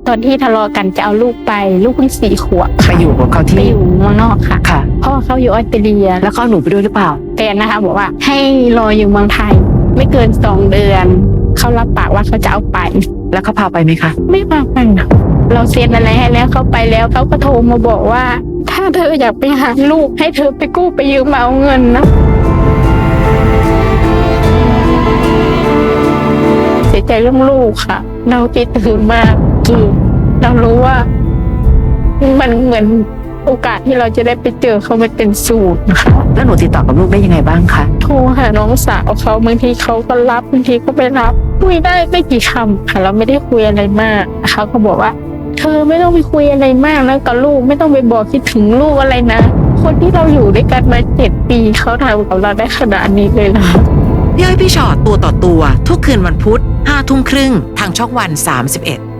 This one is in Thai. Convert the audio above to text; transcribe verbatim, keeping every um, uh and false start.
ตอนที่ทะเลาะกันจะเอาลูกไปลูกเพิ่งสี่ขวบไปอยู่กับเขาไปที่อยู่เมืองนอกค่ะค่ะพ่อเขาอยู่ออสเตรเลียแล้วก็เอาหนูไปด้วยหรือเปล่าแฟนนะคะบอกว่าให้รออยู่เมืองไทย ไม่เกินสองเดือนเขารับปากว่าเขาจะเอาไปแล้วเขาพาไปไหมคะไม่พาไปนะเราเซ็นอะไรให้แล้วเขาไปแล้วเขาก็โทรมาบอกว่า ถ้าเธออยากไปหาลูกให้เธอไปกู้ไปยืมมาเอาเงินนะเสียใจเรื่องลูกค่ะ เราคิดถึงมากคือเรารู้ว่า มันเหมือนโอกาสที่เราจะได้ไปเจอเขามันเป็นสูตรนะคะแล้วหนูติดต่อกับลูกได้ยังไงบ้างคะโทรหาน้องสาวเขาบางทีเขาก็รับบางทีก็ไม่รับคุยได้ไม่กี่คำค่ะเราไม่ได้คุยอะไรมากเขาก็บอกว่า เธอไม่ต้องไปคุยอะไรมากแล้วกับลูกไม่ต้องไปบอกคิดถึงลูกอะไรนะคนที่เราอยู่ด้วยกันมาเจ็ดปีเขาทำกับเราได้ขนาดนี้เลยเหรอพี่อ้อยพี่ชอตตัวต่อตัวทุกคืนวันพุธห้าทุ่มครึ่งทางช่องวันสามสิบเอ็ด